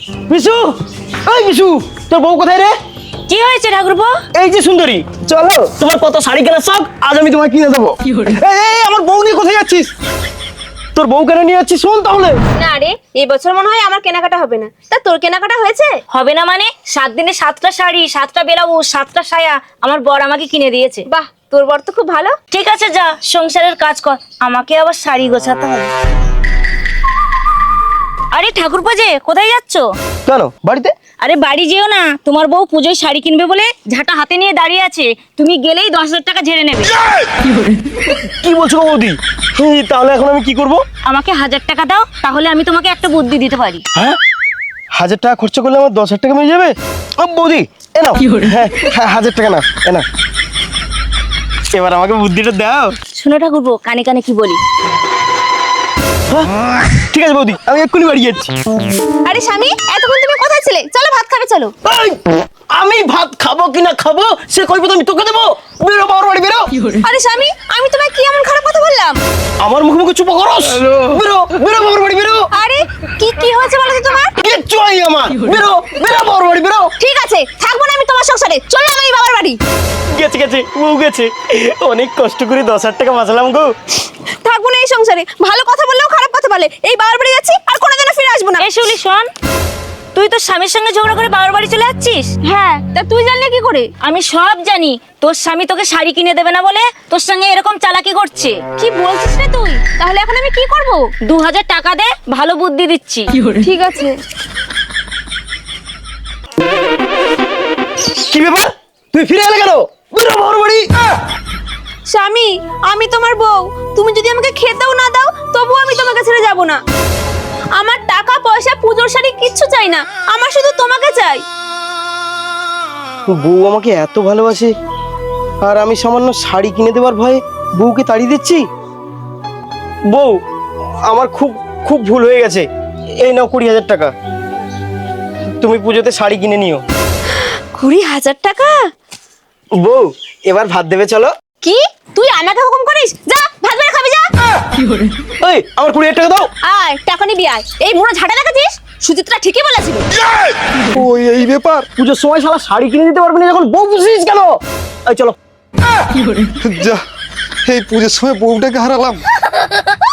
মিশু, এই মিশু, তোর বউ কোথায় রে? কি হয়েছে ঠাকুরপো? এই যে সুন্দরী, চলো তোমার কত শাড়ি কেনার শখ, আজ আমি তোমায় কিনে দেবো। এই আমার বউ নিয়ে কোথায় যাচ্ছিস? তোর বউ কেন নিয়ে যাচ্ছিস শোন তাহলে। না রে, এই বছর মনে হয় আমার কেনাকাটা হবে না। তা তোর কেনাকাটা হয়েছে? হবে না মানে? 7 দিনে 7টা শাড়ি, 7টা ব্লাউজ, 7টা সায়া আমার বর আমাকে কিনে দিয়েছে। বাহ, তোর বর তো খুব ভালো। ঠিক আছে, যা সংসারের কাজ কর, আমাকে আবার শাড়ি গোছাতে হবে। আরে ঠাকুরপো যে কোথায় যাচ্ছ? কেন বাড়িতে? আরে বাড়ি যেও না, তোমার বউ পুজোয় শাড়ি কিনবে বলে ঝাঁটা হাতে নিয়ে দাঁড়িয়ে আছে, তুমি গেলেই 10,000 টাকা ঝেড়ে নেবে। কি বলছো গো বৌদি? তাহলে এখন আমি কি করব? আমাকে 1000 টাকা দাও, তাহলে আমি তোমাকে একটা বুদ্ধি দিতে পারি। হ্যাঁ, 1000 টাকা খরচা করলে আমার 10,000 টাকা মিলে যাবে? ও বৌদি, এ নাও। হ্যাঁ, 1000 টাকা না, এ না। এবার আমাকে বুদ্ধিটা দাও। শোনো ঠাকুরপো, কানে কানে কি বলি। ঠিক আছে বৌদি, আমি এক্ষুনি বাড়ি যাচ্ছি। আরে স্বামী, এতক্ষণ তুমি কোথায় ছিলে? চলো ভাত খাবে, চলো। এই, আমি ভাত খাবো কি না খাবো সে কইবো তো আমি তোকে দেবো। বেরো বাবার বাড়ি, বেরো। আরে স্বামী, আমি তোমায় কি এমন খারাপ কথা বললাম? আমার মুখে মুখে চুপ করস। বেরো বেরো বাবার বাড়ি, বেরো। আরে কি হয়েছে বলো তো তোমার? কিচ্ছু হয় আমার। বেরো বেরো বাবার বাড়ি, বেরো। ঠিক আছে, থাকবো না আমি তোমার সংসারে, চলো আমি বাবার বাড়ি। গেছে গেছে, ও গেছে। অনেক কষ্ট করে 10,000 টাকা বাঁচালাম গো। থাকবো না এই সংসারে, ভালো কথা বললেও খারাপ কথা বলে। এই বাবার বাড়ি যাচ্ছি, আর কোনোদিনও ফিরে আসবো না। এই শুলি শোন, তুই তোর স্বামীর সঙ্গে ঝগড়া করে বাবার বাড়ি চলে যাচ্ছিস? হ্যাঁ, তা তুই জানলে কি করে? আমি সব জানি, তোর স্বামী তোকে শাড়ি কিনে দেবে না বলে তোর সঙ্গে এরকম চালাকি করছে। কি বলছিস রে তুই? তাহলে এখন আমি কি করব? 2000 টাকা দে, ভালো বুদ্ধি দিচ্ছি। ঠিক আছে। কি ব্যাপার, তুই ফিরে এলে কেন? বেরো বাবার বাড়ি। স্বামী, আমি তোমার বউ, তুমি যদি আমাকে খেতেও না দাও তবুও আমি তোমাকে ছেড়ে যাব না। আমার টাকা পয়সা পুজোর শাড়ি কিচ্ছু চাই না, আমার শুধু তোমাকে চাই। বউ আমাকে এত ভালোবাসে আর আমি সামান্য শাড়ি কিনে দেওয়ার ভয়ে বউকে তাড়িয়ে দিচ্ছি। বউ, আমার খুব খুব ভুল হয়ে গেছে। এই নাও 20,000 টাকা, তুমি পুজোতে শাড়ি কিনে নিও। 20,000 টাকা? বউ, এবার ভাত দেবে চলো। কি, তুই আমাকে হুকুম করিস? যা ভাত বেড়ে খাবি, যা। এই আমার 20,000 টাকা দাও। আয়, টাকা নিবি আয়। এই মুড়ো ঝাঁটা লাগাচ্ছিস? সুচিত্রা ঠিকই বলেছিল। ওই এই ব্যাপার, পুজোর সময় শালা শাড়ি কিনে দিতে পারবে না যখন বউ বুঝিস কেন? এই চলো। যা, এই পুজোর সময় বউটাকে হারালাম।